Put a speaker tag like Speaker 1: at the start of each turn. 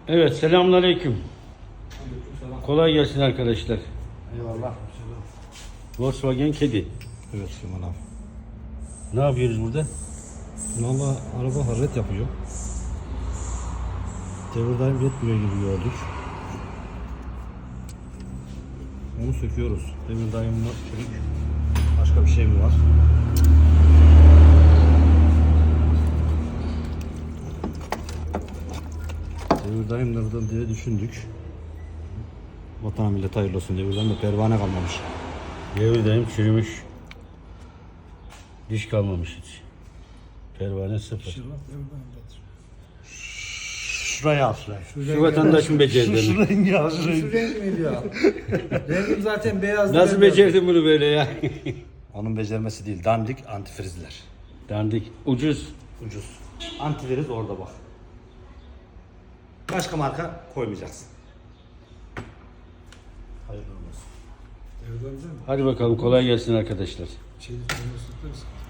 Speaker 1: Evet, selamünaleyküm.
Speaker 2: Aleykümselam.
Speaker 1: Kolay gelsin arkadaşlar.
Speaker 2: Eyvallah.
Speaker 1: Volkswagen kedi.
Speaker 2: Evet Süleyman abi.
Speaker 1: Ne yapıyoruz burada?
Speaker 2: Valla araba hararet yapıyor. Devirdaim yetmiyor gibi gördük. Onu söküyoruz. Devirdaim var. Başka bir şey mi var? Devirdaimlerden diye düşündük. Vatan millet hayırlı olsun. Devirdaimde pervane kalmamış.
Speaker 1: Devirdeyim çürümüş. Diş kalmamış hiç. Pervane sıfır.
Speaker 2: Şuraya al şuraya.
Speaker 1: Şu vatandaş mı becerdi?
Speaker 2: Şu rengi al şu rengi.
Speaker 3: Şu renk miydi ya? Rengim zaten beyazdı.
Speaker 1: Nasıl becerdin bunu böyle ya?
Speaker 2: Onun becermesi değil. Dandik antifrizler.
Speaker 1: Dandik. Ucuz.
Speaker 2: Ucuz. Antifriz orada bak. Başka marka koymayacaksın. Hayırlı olsun.
Speaker 1: Hadi bakalım kolay gelsin arkadaşlar.
Speaker 3: Şey,